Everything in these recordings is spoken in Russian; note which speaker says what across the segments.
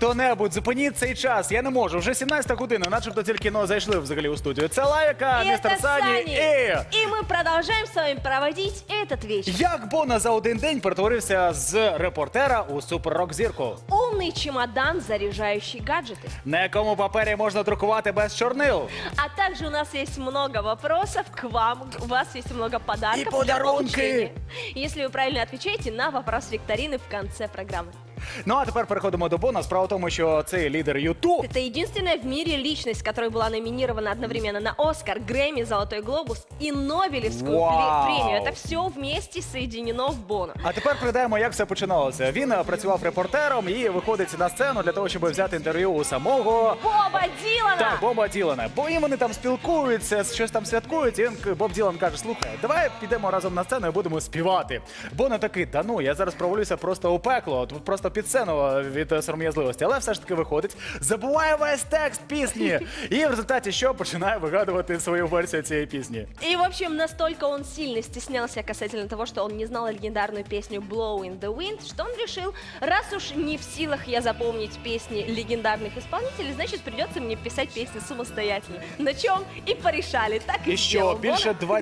Speaker 1: Хто-небудь, зупиніть цей час. Я не можу. Вже 17 година, начебто тільки зайшли взагалі у студію. Це Лайка, містер Сані
Speaker 2: И мы продолжаем с вами проводить этот вечер.
Speaker 1: Як Боно за один день перетворився з репортера у суперрок-зірку?
Speaker 2: Умный чемодан, заряжающий гаджеты.
Speaker 1: На якому папері можна друкувати без чорнил?
Speaker 2: А также у нас есть много вопросов к вам. У вас есть много подарков.
Speaker 1: И
Speaker 2: для
Speaker 1: подарунки.
Speaker 2: получения, если вы правильно отвечаете на вопрос викторины в конце программы.
Speaker 1: Ну а тепер переходимо до Боно. Справа в тому, що цей лідер Ютуб.
Speaker 2: Это единственная в мире личность, которая была номинирована одновременно на Оскар, Грэмми, Золотой глобус и Нобелевскую
Speaker 1: Вау.
Speaker 2: премию. Это все вместе соединено в Боно.
Speaker 1: А тепер пригадаємо, як все починалося. Він працював репортером і виходить на сцену для того, щоб взяти інтерв'ю у самого
Speaker 2: Боба Дилана!
Speaker 1: Так, Боба Ділана. Бо і вони там спілкуються, щось там святкують. І Боб Ділан каже: слухай, давай підемо разом на сцену і будемо співати. Боно такий: та ну, я зараз провалюся просто у пекло, просто під сцену від сором'язливості. Але все ж таки виходить, забуває весь текст пісні. І в результаті що? Починає вигадувати свою версію цієї пісні.
Speaker 2: И, в общем, настолько он сильно стеснялся касательно того, что он не знал легендарную песню «Blow in the Wind», что он решил, раз уж не в силах я запомнить песни легендарных исполнителей, значит, придется мне писать песни самостоятельно. На чем и порешали. Так и
Speaker 1: І
Speaker 2: сделал
Speaker 1: що більше
Speaker 2: Боно.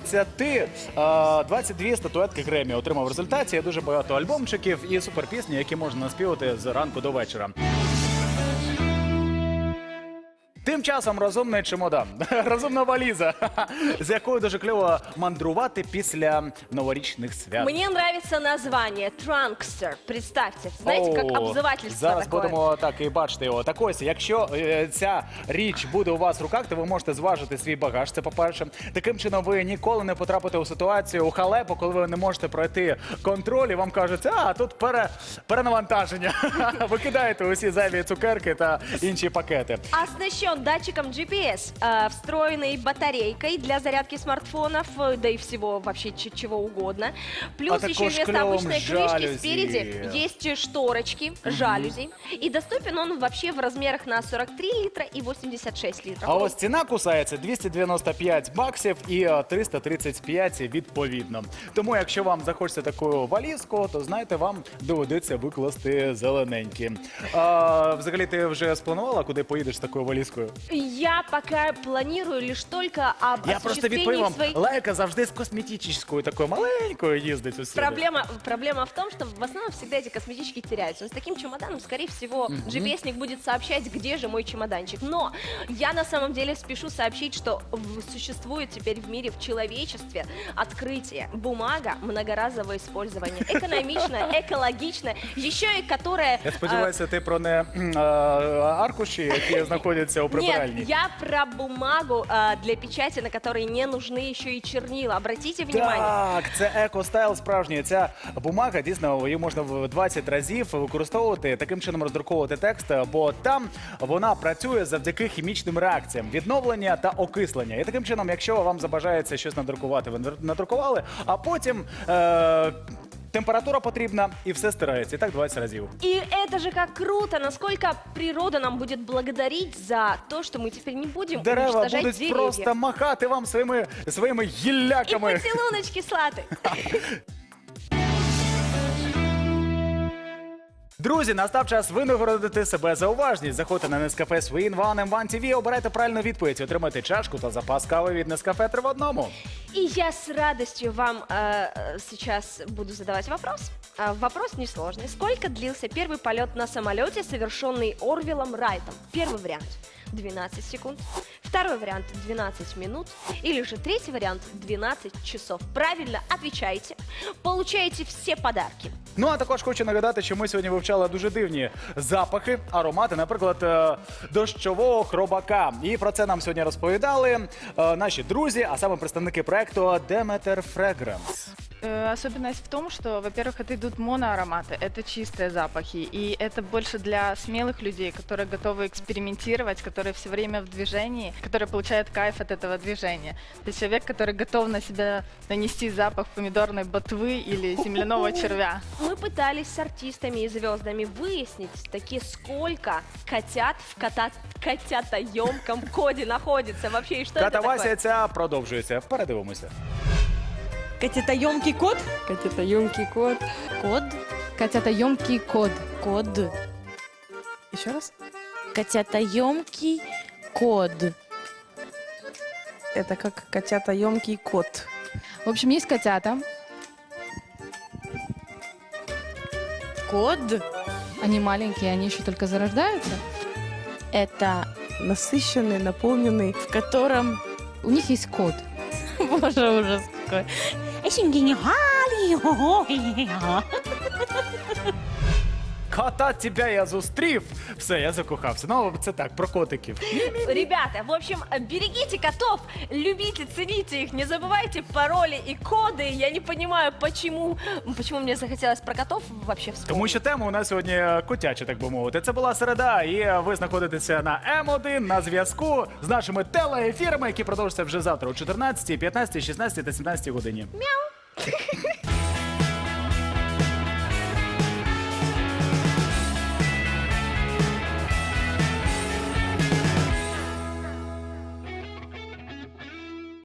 Speaker 1: 22 статуетки Греммі отримав в результаті. Є дуже багато альбомчиків і суперпісні, які можна наспівати з ранку до вечора. Тим часом розумний чемодан, розумна валіза, з якою дуже кльово мандрувати після новорічних свят.
Speaker 2: Мне нравится название «Trunkster». Представьте, знаете, как
Speaker 1: О,
Speaker 2: обзывательство
Speaker 1: зараз
Speaker 2: такое.
Speaker 1: будемо так і бачити його. Так ось, якщо ця річ буде у вас в руках, то ви можете зважити свій багаж, це по-перше. Таким чином ви ніколи не потрапите у ситуацію, у халепу, коли ви не можете пройти контроль і вам кажуть, а тут перенавантаження. Ви кидаєте усі зайві цукерки та інші пакети.
Speaker 2: Оснащен датчиком GPS, встроенной батарейкой для зарядки смартфонов, да и всего вообще чего угодно. Плюс
Speaker 1: А
Speaker 2: еще
Speaker 1: також
Speaker 2: вместо
Speaker 1: клевым
Speaker 2: обычной крышки
Speaker 1: жалюзи.
Speaker 2: спереди есть шторочки, жалюзи. И доступен он вообще в размерах на 43 литра и 86 литров.
Speaker 1: А ось ціна кусається 295 баксів і 335 відповідно. Тому якщо вам захочеться таку валізку, то знаєте, вам доведеться викласти зелененькі. Взагалі ти вже спланувала, куди поїдеш з такою валізкою?
Speaker 2: Я пока планирую лишь только об
Speaker 1: Я просто відповім
Speaker 2: осуществлении
Speaker 1: вам,
Speaker 2: своей...
Speaker 1: Лайка завжди з косметичною, такою маленькою їздить усюди.
Speaker 2: Проблема в том, что в основном всегда эти косметички теряются. Но с таким чемоданом, скорее всего, GPS-ник будет сообщать, где же мой чемоданчик. Но я на самом деле спешу сообщить, что существует теперь в мире, в человечестве открытие. Бумага многоразового использования. Экономичная, экологичная. Еще и которая...
Speaker 1: Я сподіваюся, ти про не аркуші, які знаходяться у прибиральні.
Speaker 2: Нет, я про бумагу для печати, на которой не нужны еще и чернила. Обратите внимание.
Speaker 1: Так, це еко-стайл справжній. Ця бумага, дійсно, її можна в 20 разів використовувати, таким чином роздруковувати текст, бо там вона працює завдяки хімічним реакціям, відновлення та окислення. І таким чином, якщо вам забажається щось надрукувати, ви надрукували, а потім... температура потрібна, і все стирається. І так 20 разів.
Speaker 2: И это же как круто, насколько природа нам будет благодарить за то, что мы теперь не будем
Speaker 1: Дерева
Speaker 2: уничтожать
Speaker 1: будуть
Speaker 2: деревья.
Speaker 1: просто махати вам своїми
Speaker 2: И
Speaker 1: гілляками.
Speaker 2: поцелуночки слаты.
Speaker 1: Друзі, настав час винагородити себе за уважність. Заходьте на Nescafe Swin One M1 TV, обирайте правильну відповідь, отримайте чашку та запас кави від Nescafe 3 в одному.
Speaker 2: И я с радостью вам сейчас буду задавать вопрос. Вопрос несложный. Сколько длился первый полет на самолете, совершенный Орвиллом Райтом? Первый вариант – 12 секунд. Второй вариант – 12 минут. Или же третий вариант – 12 часов. Правильно отвечаете. Получаете все подарки.
Speaker 1: Ну, а також хочу нагадати, що ми сьогодні вивчали дуже дивні запахи, аромати, наприклад, дощового хробака. І про це нам сьогодні розповідали наші друзі, а саме представники проекту Demeter Fragrance.
Speaker 3: Особенность в том, что, во-первых, это идут моноароматы, это чистые запахи, и это больше для смелых людей, которые готовы экспериментировать, которые все время в движении, которые получают кайф от этого движения. Это человек, который готов на себя нанести запах помидорной ботвы или земляного червя.
Speaker 2: Мы пытались с артистами и звездами выяснить, таки сколько котят в котятоемком коде находится вообще, и что это такое?
Speaker 1: Катавасія ця продовжується. Передивимося.
Speaker 4: Котятоемкий кот?
Speaker 5: Котятоемкий кот.
Speaker 4: Код?
Speaker 5: Котятоемкий кот.
Speaker 4: Код.
Speaker 5: Еще раз.
Speaker 4: Котятоемкий код.
Speaker 5: Это как котятоемкий кот.
Speaker 6: В общем, есть котята.
Speaker 4: Код.
Speaker 6: Они маленькие, они еще только зарождаются.
Speaker 4: Это
Speaker 5: Насыщенный, наполненный.
Speaker 4: в котором...
Speaker 6: У них есть код.
Speaker 4: Боже, ужас какой.
Speaker 1: Кота тебя я зустрів. Все, я закохався. Ну, це так, про котиків.
Speaker 2: Ребята, в общем, берегите котов, любите, цените их, не забывайте пароли и коды. Я не понимаю, почему мне захотелось про котов вообще вспомнить.
Speaker 1: Тому що тема у нас сьогодні котяча, так би мовити. Це була середа, і ви знаходитеся на М1 на зв'язку з нашими телеефірами, які продовжаться вже завтра о 14, 15, 16 та 17 годині.
Speaker 2: Мяу.